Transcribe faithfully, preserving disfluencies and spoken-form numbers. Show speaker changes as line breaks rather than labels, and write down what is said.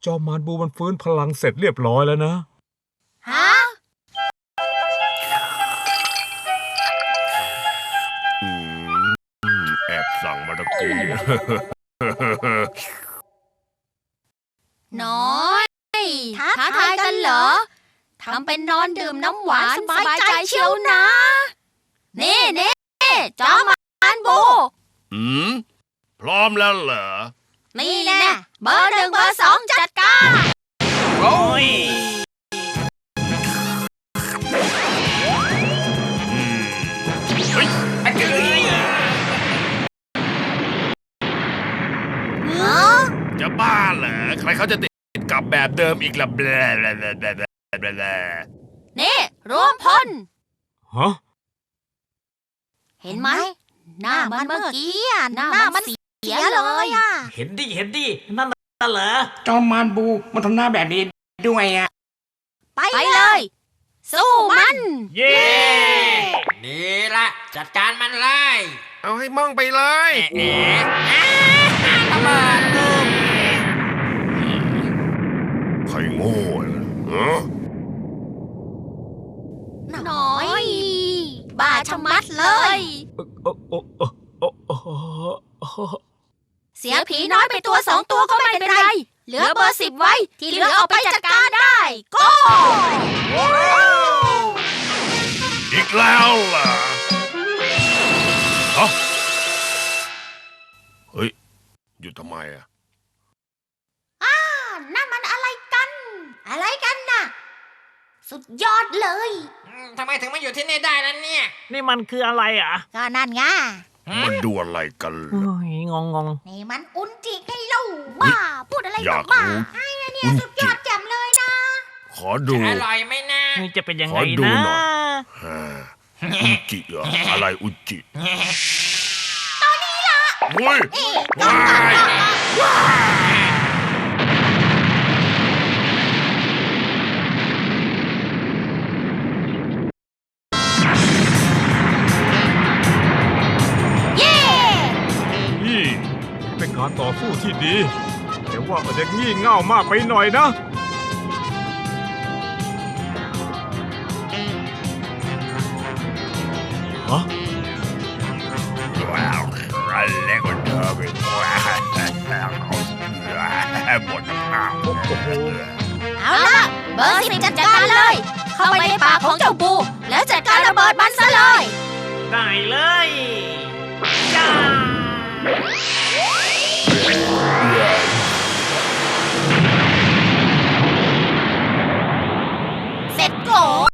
จอมมารบูมันฟื้นพลังเสร็จเรียบร้อยแล้วนะ
ฮะ
แอบสั่งมาตะกี้
น้อยท้าทายกันเหรอทำเป็นนอนดื่มน้ำหวานสบายใจเชียวนะนี่นี่จอมมารบู
อืมพร้อมแล้วเหรอ
นี่แน่เบอร์หนึ่งเบอร์สองจัดการ
โอ้ยเฮ้ยอันนี้จะบ้าเหรอใครเขาจะติดกับแบบเดิมอีกล่ะแบลแบลแบลแบลแบล
นี่รวมพล
ฮะ
เห็นไหมหน้ามันเมื่อกี้หน้ามันเสียเลยอ่ะ
เห็นดิเห็นดินั่นน่ะเหรอ
จอมมารบูมันทำหน้าแบบนี้ด้วยอ่ะ
ไปเลยสู้มัน
เย้
นี่ละจัดการมันเลย
เอาให้มั่งไปเลย
เอ๋ระเบิดลูก
ใครโง่เหรอ
น้อยบ้าชะมัดเลยเสียผีน้อยไปตัวสองตัวก็ไม่เป็นไรเหลือเบอร์สิบไว้ที่เหลือเอาไปจัดการได้ก็
อีกแล้วล่ะฮะเฮ้ยหยุดทำไมอ่ะ
อ้านั่นมันอะไรกันอะไรกันน่ะสุดยอดเลย
ทำไมถึงมาอยู่ที่นี่ได้ล่ะเนี่ย
นี่มันคืออะไรอ่ะ
ก็นั่นไง
มันดูอะไรกัน
โอ้ยงงง
นี่มันอุนจิไงเล่าบ้าพูดอะไรบ้าไอ้เนี่ยสุดยอดแจ่มเลยนะ
ขอดู
อร่อยไหมนะ
นี่จะเป็นยังไง
นะ
อุ
จิเหรออะไรอุจิ
ตอนนี้ล่ะ
เฮ้ยว้ายว้าย
เป็นการต่อสู้ที่ดีแต่ว่ามันจะงี่เง่ามากไปหน่อยนะฮะ
ว้าวอันเล็กกว่าเดิมอีกว้าวหมดน้ำโอ้โห
เอาล่ะเบอร์สิบจัดการเลยเข้าไปในปากของเจ้าบูแล้วจัดการระเบิดมันซะเลย
ได้เลยจ้า
เสร็จโก